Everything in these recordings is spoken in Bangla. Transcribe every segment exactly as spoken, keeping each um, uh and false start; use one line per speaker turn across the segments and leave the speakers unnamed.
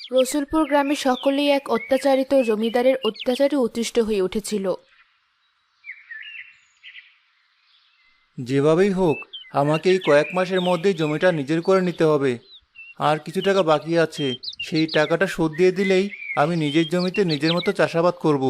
রসুলপুর গ্রামে সকলেই এক অত্যাচারিত জমিদারের অত্যাচারে অতিষ্ঠ হয়ে উঠেছিল।
যেভাবেই হোক আমাকে এই কয়েক মাসের মধ্যেই জমিটা নিজের করে নিতে হবে। আর কিছু টাকা বাকি আছে, সেই টাকাটা শোধ দিয়ে দিলেই আমি নিজের জমিতে নিজের মতো চাষাবাদ করব।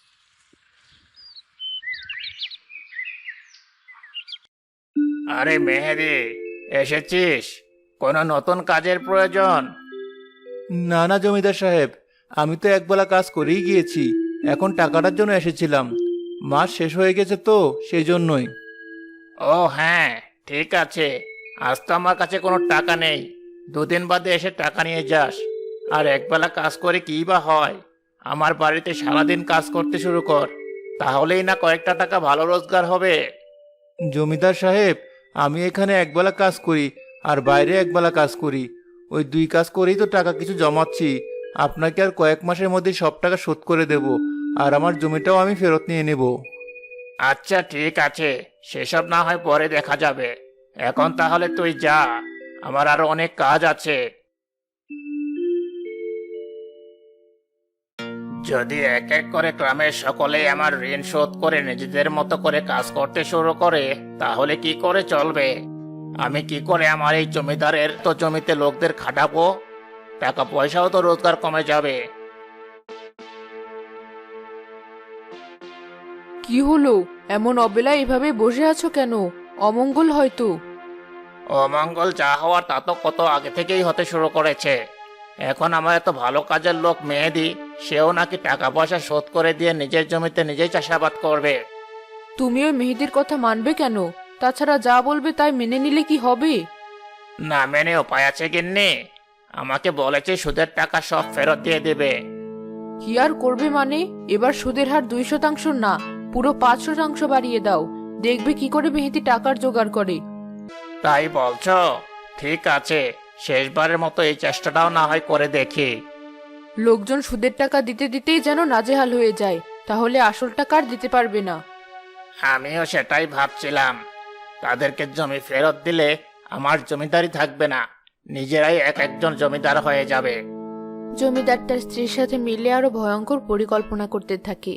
আরে মেহেদি, এসেছিস? কোনো নতুন কাজের প্রয়োজন?
না না জমিদার সাহেব, আমি তো একবেলা কাজ করেই গিয়েছি, এখন টাকাটার জন্য এসেছিলাম। মাস শেষ হয়ে গেছে তো সেই জন্যই।
ও হ্যাঁ, ঠিক আছে। আজ তো আমার কাছে কোনো টাকা নেই, দুদিন বাদে এসে টাকা নিয়ে যাস। আর একবেলা কাজ করে কী বা হয়? আমার বাড়িতে সারাদিন কাজ করতে শুরু কর, তাহলেই না কয়েকটা টাকা ভালো রোজগার হবে।
জমিদার সাহেব, আমি এখানে একবেলা কাজ করি আর বাইরে একবেলা কাজ করি, ওই দুই কাজ করেই তো টাকা কিছু জমাচ্ছি। আপনাকে আর কয়েক মাসের মধ্যে সব টাকা শোধ করে দেব, আর আমার জমিটাও আমি ফেরত নিয়ে নেব।
আচ্ছা ঠিক আছে, সেসব না হয় পরে দেখা যাবে। এখন তাহলে তুই যা, আমার আরো অনেক কাজ আছে। যদি এক এক করে গ্রামের সকলেই আমার ঋণ শোধ করে নিজেদের মতো করে কাজ করতে শুরু করে, তাহলে কি করে চলবে? আমি কি করে আমার এই জমিদারের তো জমিতে লোকদের খাটাবো? টাকা পয়সাও তো রোজগার কমে যাবে।
কি হলো, এমন অবেলায় এভাবে বসে আছো কেন? অমঙ্গল হয়তো।
অমঙ্গল যা হওয়ার তা তো কত আগে থেকেই হতে শুরু করেছে। এখন আমার এত ভালো কাজের লোক মেহেদি, সেও নাকি টাকা পয়সা শোধ করে দিয়ে নিজের জমিতে নিজেই চাষাবাদ করবে।
তুমি ওই মেহেদির কথা মানবে কেন? তাছাড়া যা বলবে তাই মেনে নিলে কি হবে?
না মেনে উপায় আছে গিন্নি? আমাকে বলেছে সুদের টাকা সব ফেরত দিয়ে দেবে।
কি আর করবে মানে? এবার সুদের হার দুই শতাংশ না, পুরো পাঁচ শতাংশ বাড়িয়ে দাও, দেখবে কি করে মেহেদি টাকার জোগাড় করে।
তাই বলছো? ঠিক আছে, শেষবারের মতো এই চেষ্টাটাও না হয় করে দেখি।
লোকজন সুদের টাকা দিতে দিতেই যেন নাজেহাল হয়ে যায়, তাহলে আসল টাকা আর দিতে পারবে না।
আমিও সেটাই ভাবছিলাম। তাদেরকে জমি ফেরত দিলে আমার জমিদারি থাকবে না, নিজেরাই এক একজন জমিদার হয়ে যাবে।
জমিদার তার স্ত্রীর সাথে মিলে আরো ভয়ঙ্কর পরিকল্পনা করতে থাকে।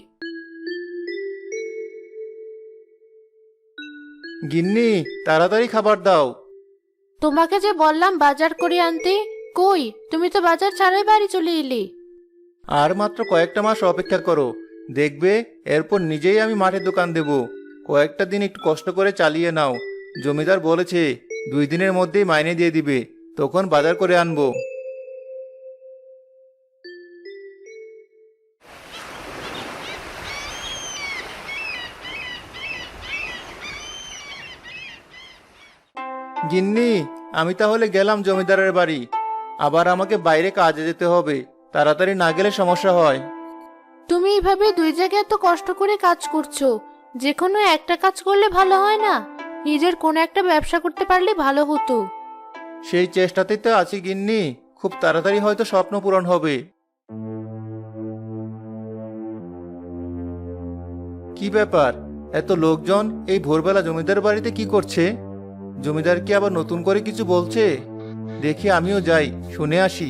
গিন্নি, তাড়াতাড়ি খাবার দাও।
তোমাকে যে বললাম বাজার করে আনতে, কই তুমি তো বাজার ছাড়াই বাড়ি চলে এলে।
আর মাত্র কয়েকটা মাস অপেক্ষা করো, দেখবে এরপর নিজেই আমি মাঠে দোকান দেব। কয়েকটা দিন একটু কষ্ট করে চালিয়ে নাও, জমিদার বলেছে দুই দিনের মধ্যেই মাইনে দিয়ে দিবে, তখন বাজার করে আনবো। গিন্নি, আমি তাহলে গেলাম জমিদারের বাড়ি, আবার আমাকে বাইরে কাজে যেতে হবে, তাড়াতাড়ি না গেলে সমস্যা হয়।
তুমি এইভাবে দুই জায়গায় এত কষ্ট করে কাজ করছো, যে কোনো একটা কাজ করলে ভালো হয় না? নিজের কোনো একটা ব্যবসা করতে পারলে ভালো হতো।
সেই চেষ্টাতেই তো আছি গিন্নি, খুব তাড়াতাড়ি হয়তো স্বপ্ন পূরণ হবে। কি ব্যাপার, এত লোকজন এই ভোরবেলা জমিদার বাড়িতে কি করছে? জমিদার কি আবার নতুন করে কিছু বলছে? দেখি আমিও যাই, শুনে আসি।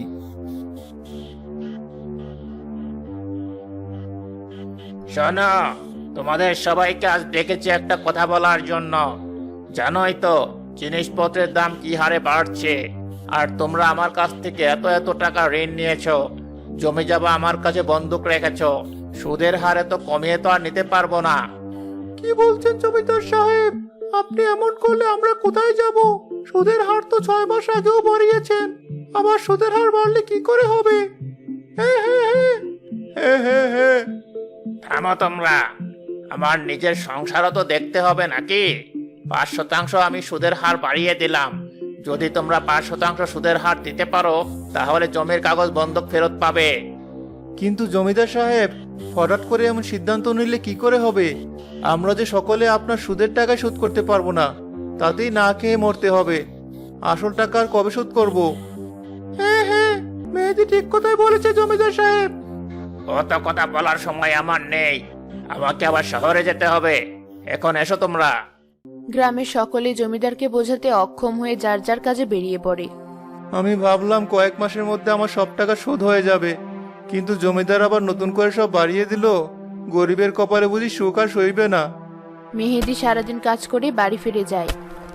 শোনো, তোমাদের সবাইকে আজ ডেকেছি একটা কথা বলার জন্য। জানোই তো জিনিসপত্রের দাম কি হারে বাড়ছে, আর তোমরা আমার কাছ থেকে এত এত টাকা ঋণ নিয়েছো, জমি জমা আমার কাছে বন্ধক রেখেছো, সুদের হারে তো কমিয়ে তো আর নিতে পারবো না।
কি বলছেন জমিদার সাহেব? আপনি এমন করলে আমরা কোথায় যাব? সুদের হার তো ছয় মাস আগেও বাড়িয়েছেন, আবার সুদের হার বাড়লে কি করে হবে? হে হে হে হে হে হে
থামো তোমরা, আমার নিজের সংসারও তো দেখতে হবে নাকি? পাঁচ শতাংশ আমি সুদের হার বাড়িয়ে দিলাম। যদি তোমরা পাঁচ শতাংশ সুদের হার দিতে পারো, তাহলে জমির কাগজ বন্ধক ফেরত পাবে।
কিন্তু জমিদার সাহেব, হঠাৎ করে এমন সিদ্ধান্ত নিলে কি করে হবে? আমরা যে সকলে আপনার সুদের টাকা শোধ করতে পারবো না, তাতেই না খেয়ে মরতে হবে। আসল টাকা আর কবে শোধ করব? হ্যাঁ হ্যাঁ, মেহেদি ঠিক কথাই বলেছে জমিদার সাহেব।
অত কথা বলার সময় আমার নেই, আমাকে আবার শহরে যেতে হবে। এখন এসো তোমরা।
গ্রামের সকলে জমিদারকে বোঝাতে অক্ষম হয়ে যার যার কাজে বেরিয়ে পড়ে।
আমি ভাবলাম কয়েক মাসের মধ্যে আমার সব টাকা শোধ হয়ে যাবে, কিন্তু জমিদার আবার নতুন করে সব বাড়িয়ে দিল। গরিবের কপালে বুঝি সুখ আর সইবে না।
মেহেদি সারাদিন কাজ করে বাড়ি ফিরে যায়।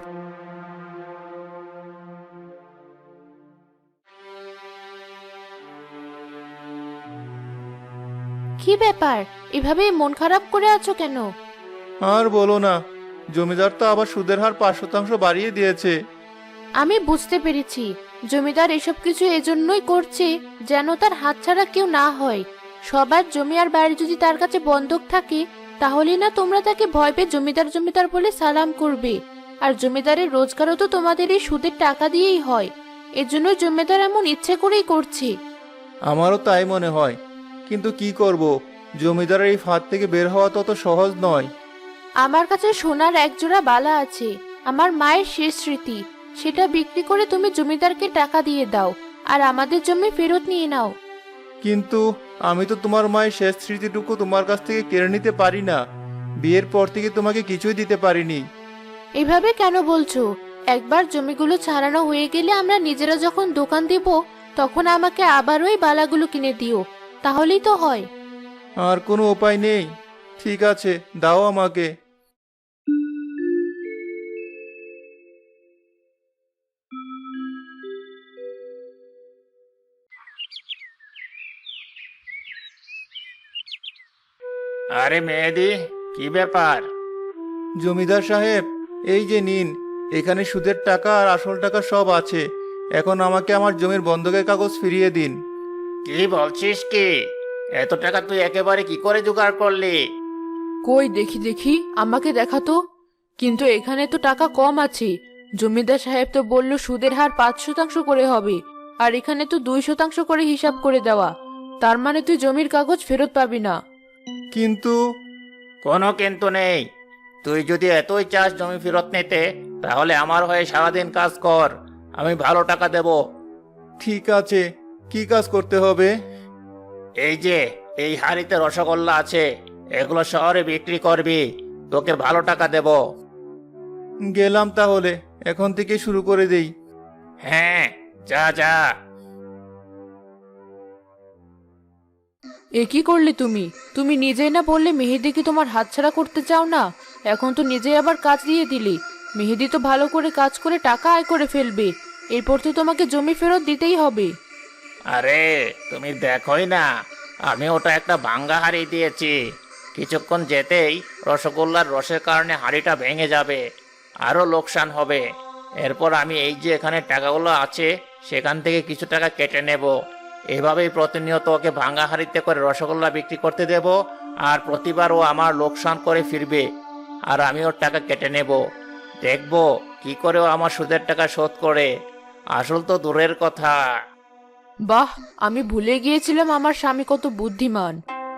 কি ব্যাপার, এভাবে মন খারাপ করে আছো কেন?
আর বলো না, জমিদার তো আবার সুদের হার পাঁচ শতাংশ বাড়িয়ে দিয়েছে।
আমি বুঝতে পেরেছি, জমিদার এসব কিছু এজন্যই করছে যেন তার হাতছাড়া কেউ না হয়। সবার জমি আর বাড়ি যদি তার কাছে বন্ধক থাকে, তাহলে না তোমরা তাকে ভয় পেয়ে জমিদার জমিদার বলে সালাম করবে। আর জমিদারের রোজগারও তো তোমাদের এই সুদের টাকা দিয়েই হয়। এজন্য জমিদার এমন ইচ্ছে করেই করছে।
আমারও তাই মনে হয়, কিন্তু কি করব, জমিদারের এই ফাঁদ থেকে বের হওয়া তত সহজ নয়।
আমার কাছে সোনার একজোড়া বালা আছে, আমার মায়ের শেষ স্মৃতি। সেটা বিক্রি করে তুমি জমিদারকে টাকা দিয়ে দাও, আর আমাদের জমি ফেরত নিয়ে নাও।
কিন্তু আমি তো তোমার মায়ের শেষ স্মৃতিটুকু তোমার কাছ থেকে কেড়ে নিতে পারি না। বিয়ের পর থেকে তোমাকে কিছুই দিতে পারিনি।
এভাবে কেন বলছো? একবার জমিগুলো ছাড়ানো হয়ে গেলে আমরা নিজেরা যখন দোকান দিব, তখন আমাকে আবার ওই বালাগুলো কিনে দিও, তাহলেই তো হয়।
আর কোনো উপায় নেই। ঠিক আছে, দাও আমাকে।
আরে মেহেদি, কি ব্যাপার?
জমিদার সাহেব, এই যে নিন, এখানে সুদের টাকা আর আসল টাকা সব আছে। এখন আমাকে আমার জমির বন্ধকের কাগজ ফিরিয়ে দিন।
কি বলছিস কি? এত টাকা তুই একেবারে কি করে জোগাড় করলি?
কই দেখি দেখি, আমাকে দেখাতো। কিন্তু এখানে তো টাকা কম আছে। জমিদার সাহেব তো বলল সুদের হার পাঁচ শতাংশ করে হবে, আর এখানে তো দুই শতাংশ করে হিসাব করে দেওয়া। তার মানে তুই জমির কাগজ ফেরত পাবি না।
কিন্তু
কোনো কিন্তু নেই। তুই যদি এতই চাস জমি ফেরত নিতে, তাহলে আমার হয়ে সারাদিন কাজ কর, আমি ভালো টাকা দেব।
ঠিক আছে, কি কাজ করতে হবে?
এই যে এই হাড়িতে রসগোল্লা আছে, এগুলো শহরে বিক্রি করবি, তোকে ভালো টাকা দেব।
গেলাম তাহলে, এখন থেকে শুরু করে দেই।
হ্যাঁ, যা যা।
এ কি করলে তুমি? তুমি নিজেই না বললে মেহেদিকে তোমার হাতছাড়া করতে চাও না? এখন তো নিজেই আবার কাজ দিয়ে দিলি। মেহেদি তো ভালো করে কাজ করে টাকা আয় করে ফেলবে, এরপর তো তোমাকে জমি ফেরত দিতেই হবে।
আরে তুমি দেখোই না, আমি ওটা একটা ভাঙ্গা হাঁড়ি দিয়েছি। কিছুক্ষণ যেতেই রসগোল্লার রসের কারণে হাঁড়িটা ভেঙে যাবে, আরো লোকসান হবে। এরপর আমি এই যে এখানে টাকাগুলো আছে, সেখান থেকে কিছু টাকা কেটে নেব। এভাবেই প্রতিনিয়ত ওকে ভাঙ্গা হাঁড়িতে করে রসগোল্লা বিক্রি করতে দেব, আর প্রতিবার ও আমার লোকসান করে ফিরবে, আর আমি ওর টাকা কেটে নেব। দেখবো কি করে ও আমার সুদের টাকা শোধ করে। আসল তো দূরের কথা।
বাহ, আমি ভুলে গিয়েছিলাম আমার স্বামী কত বুদ্ধিমান।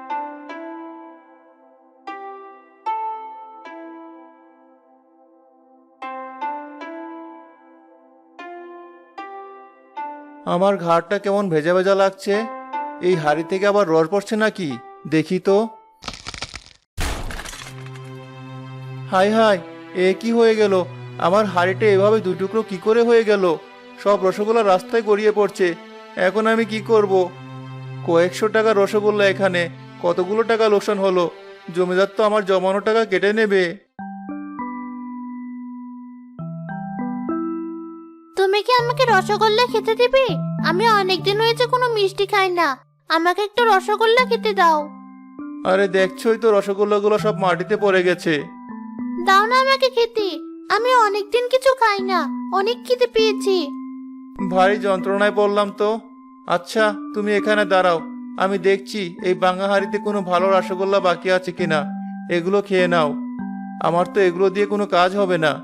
আমার ঘাড়টা কেমন ভেজা ভেজা লাগছে। এই হাড়ি থেকে আবার রস পড়ছে নাকি? দেখি তো। হাই হাই, এ কি হয়ে গেল? আমার হাড়িটা এভাবে দু টুকরো কি করে হয়ে গেল? সব রসগোল্লা রাস্তায় গড়িয়ে পড়ছে। এখন আমি কি করব? কয়েকশো টাকা রসগোল্লা, এখানে কতগুলো টাকা লোকসান হলো। জমিদার তো আমার জমানো টাকা কেটে নেবে।
তুমি কি আমাকে রসগোল্লা খেতে দিবে? আমি অনেকদিন হয়েছে কোনো মিষ্টি খাই না, আমাকে একটু রসগোল্লা খেতে দাও।
আরে দেখছোই তো, রসগোল্লাগুলো সব মাটিতে পড়ে গেছে।
দাও না আমাকে খেতে, আমি অনেকদিন কিছু খাই না, অনেক খিদে পেয়েছি।
ভারী যন্ত্রণায় পড়লাম তো। আচ্ছা, তুমি এখানে দাঁড়াও, আমি দেখছি এই ভাঙা হাঁড়িতে কোনো ভালো রসগোল্লা বাকি আছে কিনা। এগুলো খেয়ে নাও, আমার তো এগুলো দিয়ে কোনো কাজ হবে না।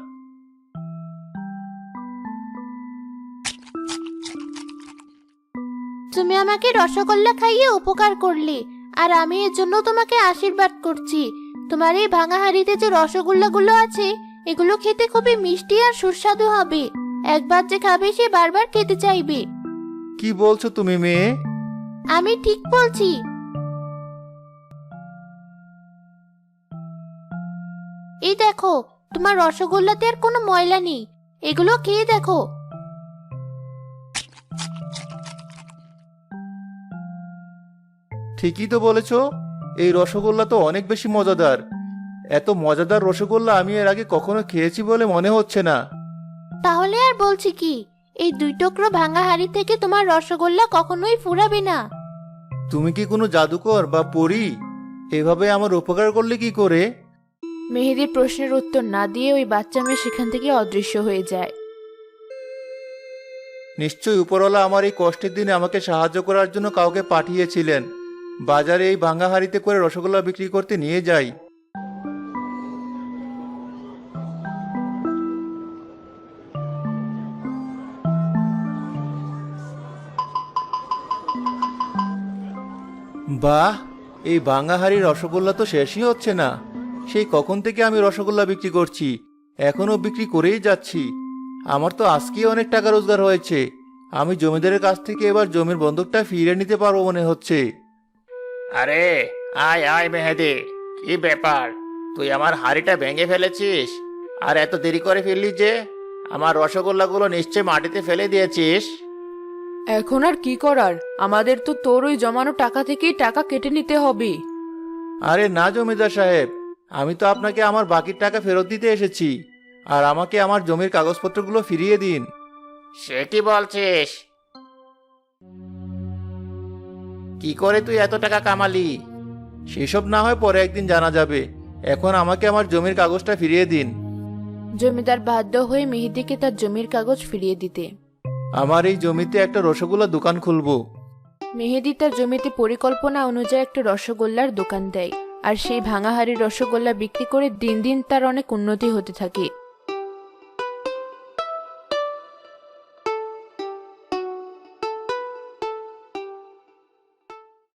তুমি আমাকে রসগোল্লা খাইয়ে উপকার করলে, আর আমি এর জন্য তোমাকে আশীর্বাদ করছি। তোমার এই ভাঙা হাঁড়িতে যে রসগোল্লাগুলো আছে, এগুলো খেতে খুবই মিষ্টি আর সুস্বাদু হবে। একবার যে খাবে সে বারবার খেতে চাইবে।
কি বলছো তুমি মেয়ে?
আমি ঠিক বলছি। এই দেখো, তোমার রসগোল্লাতে আর কোনো ময়লা নেই, এগুলো খেয়ে দেখো।
ঠিকই তো বলেছ, এই রসগোল্লা তো অনেক বেশি মজাদার। এত মজাদার রসগোল্লা আমি এর আগে কখনো খেয়েছি বলে মনে হচ্ছে না।
তাহলে আর বলছি কি, এই দুই টুকরো ভাঙা হাড়ি থেকে তোমার রসগোল্লা কখনোই ফুরাবে না।
তুমি কি কোনো জাদুকর বা পরী? এভাবে আমার উপকার করলে কি করে?
মেহেদির প্রশ্নের উত্তর না দিয়ে ওই বাচ্চা মেয়ে সেখান থেকে অদৃশ্য হয়ে যায়।
নিশ্চয়ই উপরওয়ালা আমার এই কষ্টের দিনে আমাকে সাহায্য করার জন্য কাউকে পাঠিয়েছিলেন। বাজারে এই ভাঙা হাড়িতে করে রসগোল্লা বিক্রি করতে নিয়ে যাই। বাহ, এই ভাঙা হাড়ির রসগোল্লা তো শেষই হচ্ছে না। সেই কখন থেকে আমি রসগোল্লা বিক্রি করছি, এখনো বিক্রি করেই যাচ্ছি। আমার তো আজকেই অনেক টাকা রোজগার হয়েছে। আমি জমিদারের কাছ থেকে এবার জমির বন্ধকটা ফিরিয়ে নিতে পারবো মনে হচ্ছে।
আরে আয় আয় মেহেদি, কি ব্যাপার? তুই আমার হাড়িটা ভেঙে ফেলেছিস আর এত দেরি করে ফেললি যে? আমার রসগোল্লাগুলো নিশ্চয় মাটিতে ফেলে দিয়েছিস।
এখন আর কি করার, আমাদের তো তোর ওই জমানো টাকা থেকেই টাকা কেটে নিতে হবে।
আরে না জমিদার সাহেব, আমি তো আপনাকে আমার বাকির টাকা ফেরত দিতে এসেছি। আর আমাকে আমার জমির কাগজপত্রগুলো ফিরিয়ে দিন।
সে কি বলছিস? কি করে তুই এত টাকা কামালি?
সেসব না হয় পরে একদিন জানা যাবে। এখন আমাকে আমার জমির কাগজটা ফিরিয়ে দিন।
জমিদার বাধ্য হয়ে মেহেদিকে তার জমির কাগজ ফিরিয়ে দিতে।
আমার এই জমিতে একটা রসগোল্লা দোকান খুলবো।
মেহেদি তার জমিতে পরিকল্পনা অনুযায়ী একটা রসগোল্লার দোকান দেয়, আর সেই ভাঙা হাড়ির রসগোল্লা বিক্রি করে দিন দিন তার অনেক উন্নতি হতে থাকে।